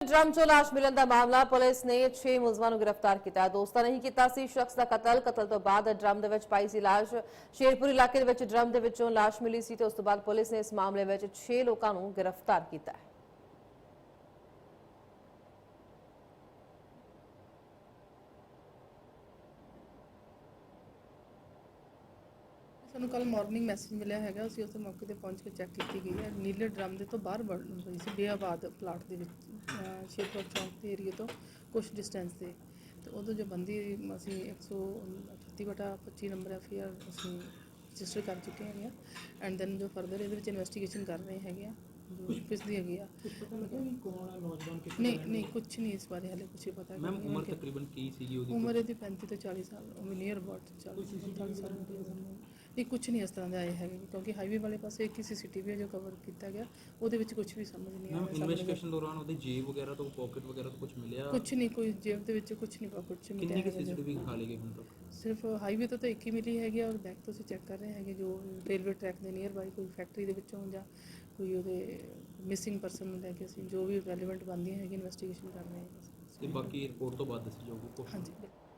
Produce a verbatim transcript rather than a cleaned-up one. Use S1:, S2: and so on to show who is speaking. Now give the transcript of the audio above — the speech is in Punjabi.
S1: ड्रम चो लाश मिलन का मामला पुलिस ने छे मुलजमान गिरफ्तार किया। दोस्तां नहीं किया सी शख्स का कतल। कतल तो बाद ड्रम दे विच पाई सी लाश। शेरपुर इलाके दे विच ड्रम दे विचों लाश मिली सी ते उस तो बाद पुलिस ने इस मामले में छे लोगों को गिरफ्तार किया है।
S2: ਸਾਨੂੰ ਕੱਲ ਮਾਰਨਿੰਗ ਮੈਸੇਜ ਮਿਲਿਆ ਹੈਗਾ, ਅਸੀਂ ਉਸ ਮੌਕੇ ਤੇ ਪਹੁੰਚ ਕੇ ਚੈੱਕ ਕੀਤੀ ਗਈ ਹੈ। ਨੀਲੇ ਡਰਮ ਦੇ ਤੋਂ ਬਾਹਰ ਬਣ ਰਹੀ ਸੀ ਬੇਆਬਾਦ ਪਲਾਟ ਦੇ ਵਿੱਚ, ਸ਼ੇਰਪੁਰ ਚੌਂਕ ਦੇ ਏਰੀਏ ਤੋਂ ਕੁਝ ਡਿਸਟੈਂਸ ਤੇ। ਤੇ ਉਦੋਂ ਜੋ ਬੰਦੀ ਅਸੀਂ ਇੱਕ ਸੌ ਅਠੱਤੀ ਬਟਾ ਪੱਚੀ ਨੰਬਰ ਐਫ ਆਈ ਆਰ ਅਸੀਂ ਰਜਿਸਟਰ ਕਰ ਚੁੱਕੇ ਹੈਗੇ ਆ। ਐਂਡ ਦੈਨ ਜੋ ਫਰਦਰ ਇਹਦੇ ਵਿੱਚ ਇਨਵੈਸਟੀਗੇਸ਼ਨ ਕਰ ਰਹੇ ਹੈਗੇ ਆ, ਜੋ ਪਿਛਦੀ ਹੈਗੀ ਆ। ਨਹੀਂ ਨਹੀਂ ਕੁਛ ਨਹੀਂ ਇਸ ਬਾਰੇ ਹਾਲੇ ਕੁਛ ਪਤਾ ਨਹੀਂ। ਮੈਮ ਉਮਰ ਤਕਰੀਬਨ ਕੀ ਸੀਗੀ ਉਹਦੀ? ਉਮਰ ਇਹਦੀ ਪੈਂਤੀ ਤੋਂ ਚਾਲੀ ਸਾਲ, ਉਹ ਨੀਅਰ ਅਬਾਊਟ ਚਾਲੀ ਪੰਤਾਲੀ ਸਾਲ ਨਹੀਂ, ਕੁਛ ਨਹੀਂ ਇਸ ਤਰ੍ਹਾਂ ਦੇ ਆਏ ਹੈਗੇ, ਕਿਉਂਕਿ ਹਾਈਵੇ ਵਾਲੇ ਪਾਸੇ ਇੱਕ ਸੀ ਸੀ ਟੀ ਵੀ ਜੋ ਕਵਰ ਕੀਤਾ ਗਿਆ, ਉਹਦੇ ਵਿੱਚ ਕੁਝ ਵੀ ਸਮਝ ਨਹੀਂ ਆਇਆ।
S3: ਇਨਵੈਸਟੀਗੇਸ਼ਨ ਦੌਰਾਨ ਉਹਦੇ ਜੇਬ ਵਗੈਰਾ ਤੋਂ ਪਾਕਟ ਵਗੈਰਾ ਤੋਂ ਕੁਝ ਮਿਲਿਆ?
S2: ਕੁਛ ਨਹੀਂ, ਕੋਈ ਜੇਬ ਦੇ ਵਿੱਚ ਕੁਛ ਨਹੀਂ, ਪਾਕਟ 'ਚ ਮਿਲਿਆ।
S3: ਕਿੰਨੀ ਕਿ ਸੀਸੀਟੀਵੀ ਖਾ ਲਈ ਗਈ ਹੁਣ ਤੱਕ?
S2: ਸਿਰਫ ਹਾਈਵੇ ਤੋਂ ਤਾਂ ਇੱਕ ਹੀ ਮਿਲੀ ਹੈਗੀ, ਔਰ ਬੈਕ ਤੋਂ ਅਸੀਂ ਚੈੱਕ ਕਰ ਰਹੇ ਹੈਗੇ ਜੋ ਰੇਲਵੇ ਟਰੈਕ ਦੇ ਨੀਅਰ ਬਾਈ ਕੋਈ ਫੈਕਟਰੀ ਦੇ ਵਿੱਚੋਂ ਜਾਂ ਕੋਈ ਉਹਦੇ ਮਿਸਿੰਗ ਪਰਸਨ ਨੂੰ ਲੈ ਕੇ ਅਸੀਂ ਜੋ ਵੀ ਰੈਲੇਵੈਂਟ ਬਣਦੀਆਂ ਹੈਗੀ ਇਨਵੈਸਟੀਗੇਸ਼ਨ ਕਰ ਰਹੇ ਹਾਂ।
S3: ਤੇ ਬਾਕੀ ਰਿਪੋਰਟ ਤੋਂ ਬਾਅਦ ਦੱਸੀ ਜਾਊਗੀ।
S2: ਹਾਂਜੀ।